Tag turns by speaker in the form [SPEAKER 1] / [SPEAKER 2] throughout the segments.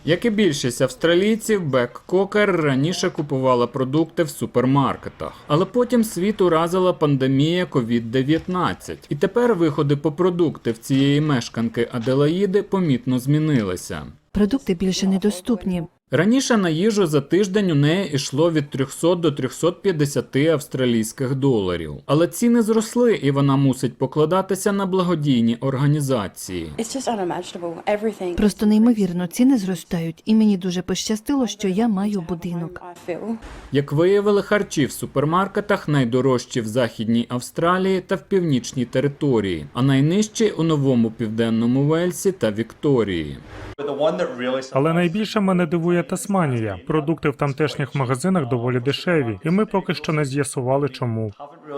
[SPEAKER 1] Як і більшість австралійців, Бек Кокер раніше купувала продукти в супермаркетах. Але потім світ уразила пандемія COVID-19. І тепер виходи по продукти в цієї мешканки Аделаїди помітно змінилися.
[SPEAKER 2] Продукти більше недоступні.
[SPEAKER 1] Раніше на їжу за тиждень у неї йшло від 300 до 350 австралійських доларів. Але ціни зросли, і вона мусить покладатися на благодійні організації.
[SPEAKER 2] Просто неймовірно, ціни зростають, і мені дуже пощастило, що я маю будинок.
[SPEAKER 1] Як виявили, харчі в супермаркетах найдорожчі в Західній Австралії та в Північній території, а найнижчі у Новому Південному Вельсі та Вікторії.
[SPEAKER 3] Але найбільше мене дивує Тасманія. Продукти в тамтешніх магазинах доволі дешеві, і ми поки що не з'ясували, чому.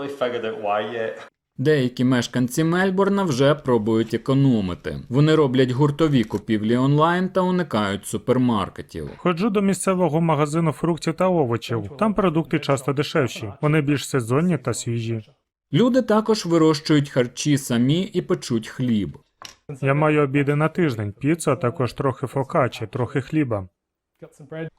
[SPEAKER 1] Деякі мешканці Мельбурна вже пробують економити. Вони роблять гуртові купівлі онлайн та уникають супермаркетів.
[SPEAKER 3] Ходжу до місцевого магазину фруктів та овочів. Там продукти часто дешевші. Вони більш сезонні та свіжі.
[SPEAKER 1] Люди також вирощують харчі самі і печуть хліб.
[SPEAKER 3] Я маю обіди на тиждень, піцу, а також трохи фокачі, трохи хліба.